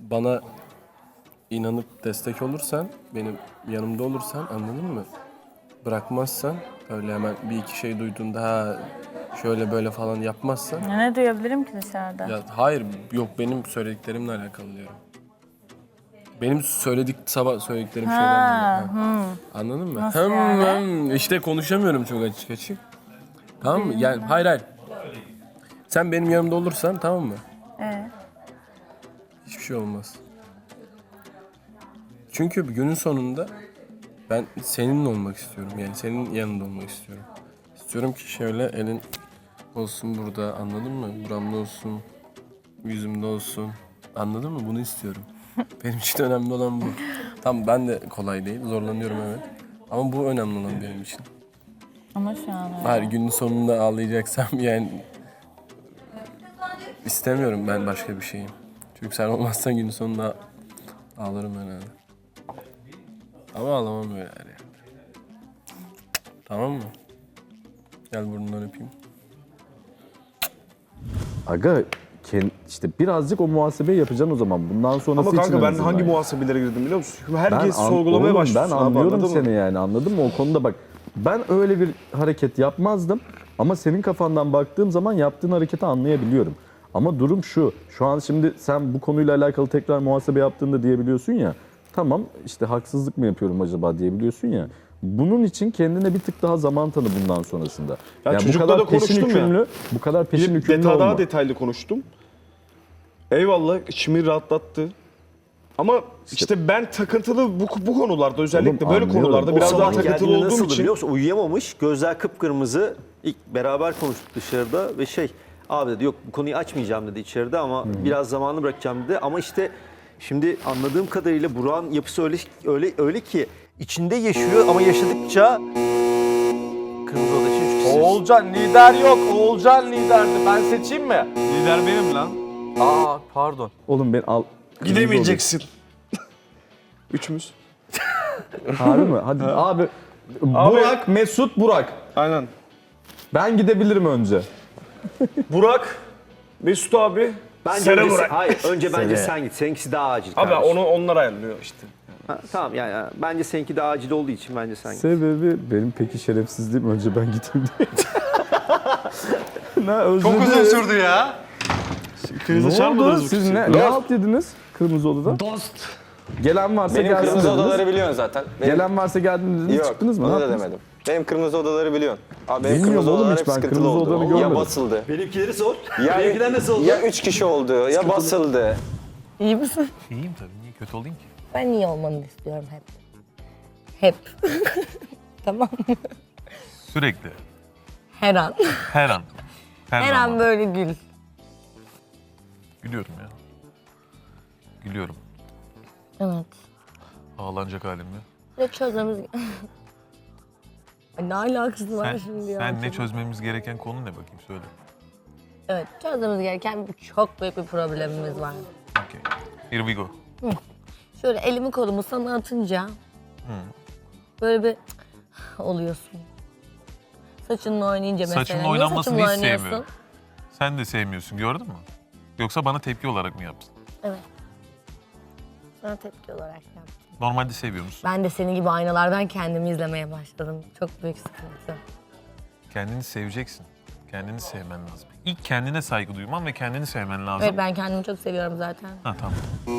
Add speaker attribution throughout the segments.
Speaker 1: bana inanıp destek olursan, benim yanımda olursan, anladın mı? Bırakmazsan, öyle hemen bir iki şey duyduğunda ha şöyle böyle falan yapmazsan.
Speaker 2: Ya ne duyabilirim ki dışarıda?
Speaker 1: Ya hayır, yok benim söylediklerimle alakalı diyorum. Benim sabah söylediklerim şeylerle alakalı. Anladın mı?
Speaker 2: Nasıl yani?
Speaker 1: İşte konuşamıyorum çok açık açık. Tamam mı? Yani hayır. Sen benim yanımda olursan tamam mı? Hiçbir şey olmaz. Çünkü günün sonunda ben seninle olmak istiyorum. Yani senin yanında olmak istiyorum. İstiyorum ki şöyle elin olsun burada, anladın mı? Buramda olsun, yüzümde olsun. Anladın mı? Bunu istiyorum. Benim için önemli olan bu. Tamam, ben de kolay değil, zorlanıyorum evet. Ama bu önemli olan benim için.
Speaker 2: Ama şu an öyle.
Speaker 1: Hayır, günün sonunda ağlayacaksam yani istemiyorum ben başka bir şeyim. Çünkü sen olmazsan günün sonunda ağlarım herhalde. Ama ağlamam böyle yani. Tamam mı? Gel burnundan öpeyim.
Speaker 3: Aga işte birazcık o muhasebeyi yapacaksın o zaman. Bundan sonrası
Speaker 4: Ama
Speaker 3: için
Speaker 4: kanka ben
Speaker 3: en
Speaker 4: hangi
Speaker 3: azından.
Speaker 4: muhasebelere girdim biliyor musun? Herkes
Speaker 3: Ben
Speaker 4: sorgulamaya
Speaker 3: oğlum,
Speaker 4: başlıyor.
Speaker 3: Ben anlıyorum seni yani, anladın mı? O konuda bak, ben öyle bir hareket yapmazdım. Ama senin kafandan baktığım zaman yaptığın hareketi anlayabiliyorum. Ama durum şu an şimdi sen bu konuyla alakalı tekrar muhasebe yaptığında diyebiliyorsun ya. Tamam işte haksızlık mı yapıyorum acaba diyebiliyorsun ya. Bunun için kendine bir tık daha zaman tanı bundan sonrasında.
Speaker 4: Ya
Speaker 3: yani bu
Speaker 4: çocukla
Speaker 3: kadar
Speaker 4: da
Speaker 3: peşin
Speaker 4: konuştum ya.
Speaker 3: hükümlü, bu kadar peşin
Speaker 4: Bir
Speaker 3: hükümlü
Speaker 4: daha
Speaker 3: olma.
Speaker 4: detaylı konuştum. Eyvallah, içimi rahatlattı. Ama işte ben takıntılı bu konularda, özellikle
Speaker 3: Oğlum,
Speaker 4: böyle
Speaker 3: anlıyorum.
Speaker 4: konularda
Speaker 3: O
Speaker 4: biraz daha
Speaker 5: Sabah
Speaker 4: takıntılı
Speaker 5: geldiğinde
Speaker 4: olduğum
Speaker 5: nasıldı
Speaker 4: için.
Speaker 5: biliyor musun? Uyuyamamış, gözler kıpkırmızı. İlk beraber konuştuk dışarıda ve abi dedi yok bu konuyu açmayacağım dedi içeride ama biraz zamanı bırakacağım dedi. Ama işte şimdi anladığım kadarıyla Burak'ın yapısı öyle ki içinde yaşıyor ama yaşadıkça Kırmızı Oda için 3 kişi.
Speaker 6: Oğulcan lider yok. Oğulcan liderdi. Ben seçeyim mi?
Speaker 7: Lider benim lan.
Speaker 6: Aa pardon.
Speaker 3: Oğlum ben al.
Speaker 4: Gidemeyeceksin. Üçümüz.
Speaker 3: Harbi mi? Hadi abi. Burak, Mesut, Burak.
Speaker 4: Aynen.
Speaker 3: Ben gidebilirim önce.
Speaker 4: Burak, Mesut abi,
Speaker 5: Bence
Speaker 4: Sera
Speaker 5: öyle-
Speaker 4: Burak.
Speaker 5: Hayır önce bence sen git. Seninkisi daha acil
Speaker 4: Abi
Speaker 5: kardeşim.
Speaker 4: onlar ayarlıyor işte.
Speaker 5: Ha, tamam yani bence seninki daha acil olduğu için bence sen git.
Speaker 3: Sebebi benim peki şerefsizliğim, önce ben gideyim diye.
Speaker 7: Çok uzun sürdü ya.
Speaker 4: Krize
Speaker 3: Ne oldu?
Speaker 4: çarpmadınız mı?
Speaker 3: Siz ne halt yediniz Kırmızı Oda'da?
Speaker 7: Dost.
Speaker 3: Gelen varsa
Speaker 8: Benim
Speaker 3: gelsin
Speaker 8: kırmızı
Speaker 3: dediniz.
Speaker 8: odaları biliyorsun zaten.
Speaker 3: Gelen varsa geldiniz dediniz,
Speaker 8: Yok,
Speaker 3: çıktınız mı?
Speaker 8: onu
Speaker 3: Ne
Speaker 8: da
Speaker 3: yaptınız?
Speaker 8: demedim. Benim kırmızı odaları biliyorsun. Abi benim
Speaker 3: Bilmiyorum
Speaker 8: kırmızı
Speaker 3: oğlum
Speaker 8: odalar
Speaker 3: hiç,
Speaker 8: hep
Speaker 3: ben
Speaker 8: sıkıntılı
Speaker 3: kırmızı
Speaker 8: oldu.
Speaker 3: odaları
Speaker 8: Ya
Speaker 3: görmedim.
Speaker 8: basıldı.
Speaker 5: Benimkileri sor.
Speaker 8: Ya,
Speaker 5: Benimkiler nasıl oldu?
Speaker 8: Ya 3 kişi oldu, ya basıldı.
Speaker 2: İyi misin?
Speaker 7: İyiyim tabii. Niye kötü olayım ki?
Speaker 9: Ben iyi olmanı istiyorum hep. Hep. Tamam mı?
Speaker 7: Sürekli.
Speaker 9: Her an.
Speaker 7: Her an.
Speaker 9: Her
Speaker 7: zaman.
Speaker 9: an böyle gül.
Speaker 7: Gülüyorum ya. Gülüyorum.
Speaker 9: Evet.
Speaker 7: Ağlanacak halimle.
Speaker 9: Ve çözmemiz... Ay, ne alakası var
Speaker 7: Sen,
Speaker 9: şimdi ya?
Speaker 7: sen ne çözmemiz gereken konu ne bakayım söyle.
Speaker 9: Evet, çözmemiz gereken çok büyük bir problemimiz var.
Speaker 7: Okay. Here we go.
Speaker 9: Şöyle elimi kolumu sana atınca böyle bir oluyorsun. Saçınla oynayınca mesela.
Speaker 7: Saçımla
Speaker 9: Niye
Speaker 7: oynanmasını
Speaker 9: saçımla
Speaker 7: hiç
Speaker 9: oynuyorsun?
Speaker 7: sevmiyorum. Sen de sevmiyorsun, gördün mü? Yoksa bana tepki olarak mı yaptın?
Speaker 9: Evet. Sana tepki olarak yaptım.
Speaker 7: Normalde seviyor musun?
Speaker 9: Ben de senin gibi aynalardan kendimi izlemeye başladım. Çok büyük sıkıntı.
Speaker 7: Kendini seveceksin. Kendini sevmen lazım. İlk kendine saygı duyman ve kendini sevmen lazım.
Speaker 9: Evet, ben kendimi çok seviyorum zaten.
Speaker 7: Ha tamam.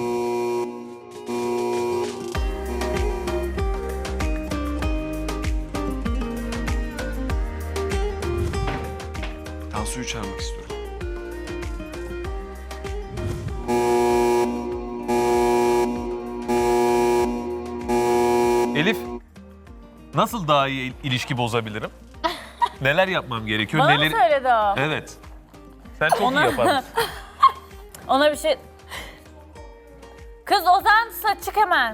Speaker 4: Tansu'yu çağırmak istiyorum.
Speaker 7: Elif, nasıl daha iyi ilişki bozabilirim? Neler yapmam gerekiyor?
Speaker 2: Bana
Speaker 7: Neleri...
Speaker 2: mı söyledi o?
Speaker 7: Evet. Sen çok iyi yapardın.
Speaker 2: Ona bir şey... Kız Ozan çık hemen.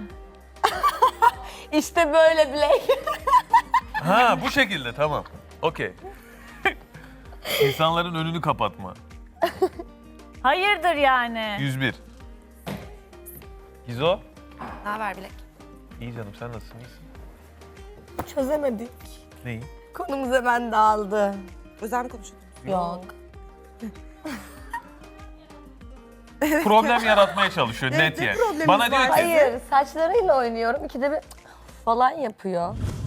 Speaker 9: İşte böyle Blake.
Speaker 7: Ha bu şekilde tamam. Okey. İnsanların önünü kapatma.
Speaker 2: Hayırdır yani?
Speaker 7: 101. Gizo.
Speaker 9: Ne haber Blake?
Speaker 7: İyi canım sen nasılsın? İyisin.
Speaker 9: Çözemedik.
Speaker 7: Neyi?
Speaker 9: Konumuz hemen dağıldı.
Speaker 10: Özel mi konuşuyordun?
Speaker 9: Yok.
Speaker 7: problem yaratmaya çalışıyor net yani. Bana diyor ki
Speaker 9: Hayır, saçlarıyla oynuyorum. İkide bir falan yapıyor.